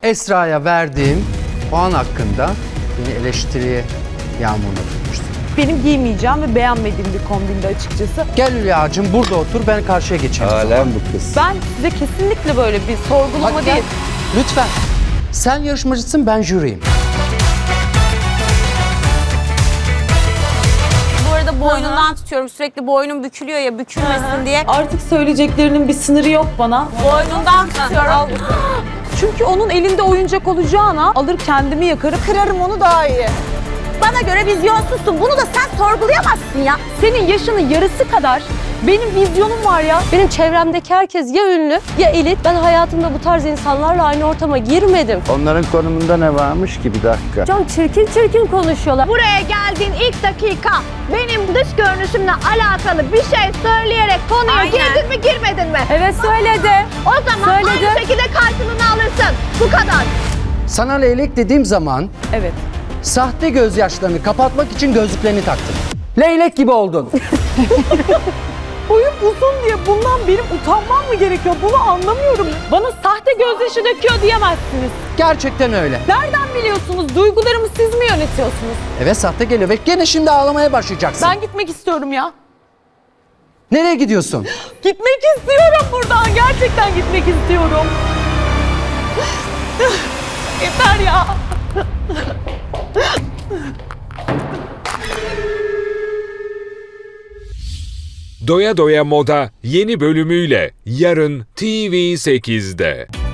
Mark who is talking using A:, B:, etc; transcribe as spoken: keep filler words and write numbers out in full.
A: Esra'ya verdiğim puan hakkında beni eleştiriye yağmuruna tutmuştun.
B: Benim giymeyeceğim ve beğenmediğim bir kombindi açıkçası.
A: Gel Hülya'cığım burada otur, ben karşıya geçeyim.
C: Alem bu kız.
B: Ben size kesinlikle böyle bir sorgulama
A: Hadi gel.
B: değil.
A: Lütfen. Sen yarışmacısın, ben jüriyim.
D: Bu arada boynundan tutuyorum. Sürekli boynum bükülüyor ya, bükülmesin diye.
B: Artık söyleyeceklerinin bir sınırı yok bana.
D: Boynundan tutuyorum.
B: Çünkü onun elinde oyuncak olacağına alır kendimi yakarım, kırarım onu daha iyi.
D: Bana göre vizyonsuzsun. Bunu da sen sorgulayamazsın ya.
B: Senin yaşının yarısı kadar benim vizyonum var ya.
E: Benim çevremdeki herkes ya ünlü ya elit. Ben hayatımda bu tarz insanlarla aynı ortama girmedim.
C: Onların konumunda ne varmış ki, bir dakika.
E: Can çirkin çirkin konuşuyorlar.
F: Buraya geldiğin ilk dakika benim dış görünüşümle alakalı bir şey söyleyerek konuya
D: Aynen.
F: girdin mi girmedin mi?
E: Evet söyledi.
F: O zaman
E: Söyledi.
F: aynı şekilde karşılığını alırsın. Bu kadar.
A: Sana leylek dediğim zaman
B: Evet.
A: sahte gözyaşlarını kapatmak için gözlüklerini taktın. Leylek gibi oldun.
B: Boyum uzun diye bundan benim utanmam mı gerekiyor? Bunu anlamıyorum. Bana sahte gözyaşı döküyor diyemezsiniz.
A: Gerçekten öyle.
B: Nereden biliyorsunuz? Duygularımı siz mi yönetiyorsunuz?
A: Evet, sahte geliyor ve gene şimdi ağlamaya başlayacaksın.
B: Ben gitmek istiyorum ya.
A: Nereye gidiyorsun?
B: Gitmek istiyorum buradan. Gerçekten gitmek istiyorum. Yeter ya.
G: Doya Doya Moda yeni bölümüyle yarın T V sekizde.